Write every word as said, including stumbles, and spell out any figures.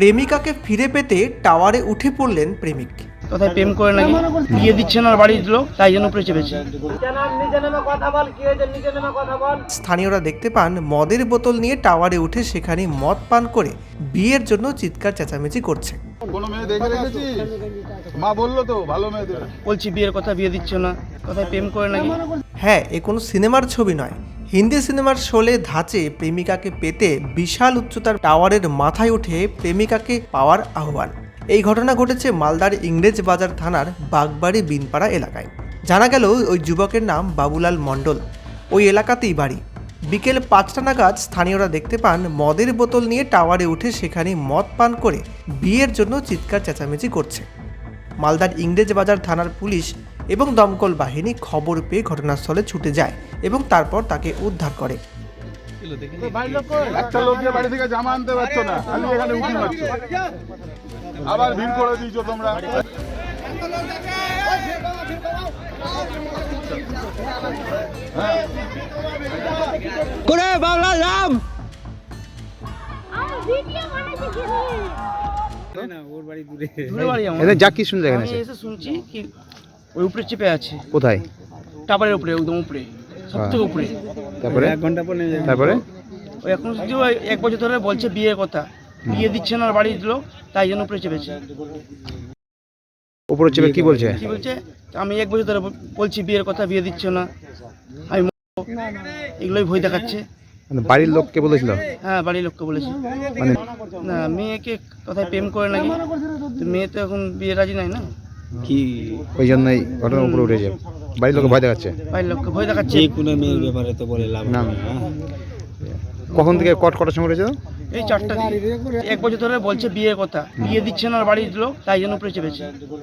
প্রেমিকাকে ফিরে পেতে টাওয়ারে উঠে পড়লেন প্রেমিক। কোথায় প্রেম করে নাকি বিয়ে দিচ্ছে না বাড়ির লোক, তাই জন্য উপরে চেপেছে। স্থানীয়রা দেখতে পান মদের বোতল নিয়ে টাওয়ারে উঠে সেখানে মদ পান করে বিয়ের জন্য চিৎকার চেঁচামেচি করছে। কোনো মেয়ে দেখে রেখেছি, মা বললো তো ভালো মেয়ে দেবে। বলছি বিয়ের কথা, বিয়ে দিচ্ছে না, কোথায় প্রেম করে নাকি। হ্যাঁ, এ কোনো সিনেমার ছবি নয়, হিন্দি সিনেমার শোলে ধাঁচে প্রেমিকাকে পেতে বিশাল উচ্চতার টাওয়ারের মাথায় উঠে প্রেমিকাকে পাওয়ার আহ্বান। এই ঘটনা ঘটেছে মালদার ইংরেজ বাজার থানার বাগবাড়ি বিনপাড়া এলাকায়। জানা গেল ওই যুবকের নাম বাবুলাল মণ্ডল, ওই এলাকাতেই বাড়ি। বিকেল পাঁচটা নাগাদ স্থানীয়রা দেখতে পান মদের বোতল নিয়ে টাওয়ারে উঠে সেখানে মদ পান করে বিয়ের জন্য চিৎকার চেঁচামেচি করছে। মালদার ইংরেজ বাজার থানার পুলিশ এবং দমকল বাহিনী খবর পেয়ে ঘটনাস্থলে ছুটে যায় এবং তারপর তাকে উদ্ধার করে। একটা লোক গিয়ে বাড়ি থেকে জামা আনতে পারছো না, খালি এখানে উঠি মারছ, আবার ভিড় করে দিয়েছো তোমরা। করে বাংলা নাম দূরে বাড়ি আমার। এদের যা কি শুনলে এখানে আমি এসে শুনছি কি ওই উপরে চেপে আছে, কোথায়? টাওয়ারের উপরে, একদম উপরে, সব থেকে উপরে। তারপরে এক ঘন্টা পরে তারপরে ওই এখন শুধু ওই এক বছর ধরে বলছে বিয়ের কথা, বিয়ে দিচ্ছে না বাড়ির লোক, তাই জন্য উপরে চেপেছে। উপরে চেপে কি বলছে? কি বলছে, আমি এক বছর ধরে বলছি বিয়ের কথা, বিয়ে দিচ্ছে না, আমি মরবো। এগুলোই ভয় দেখাচ্ছে। মানে বাড়ির লোককে বলেছিল? হ্যাঁ, বাড়ির লোককে বলেছে। মানে না, মেয়েকে কোথায় প্রেম করে নাকি, তো মেয়ে তো এখন বিয়ে রাজি নাই না, কি ওই জন্যই ঘটনার উপরে উঠেছে, বাড়ির লোকে ভয় দেখাচ্ছে। বাড়ির লোককে ভয় দেখাচ্ছে। কোনো মেয়ের ব্যাপারে তো বলে লাভ না। না। কখন থেকে কট কটার সময় উঠেছে? এই চারটা দিকে। এক বছর ধরে বলছে বিয়ের কথা, বিয়ে দিচ্ছে না বাড়ির লোক, তাই জন্য উপরে চেপেছে।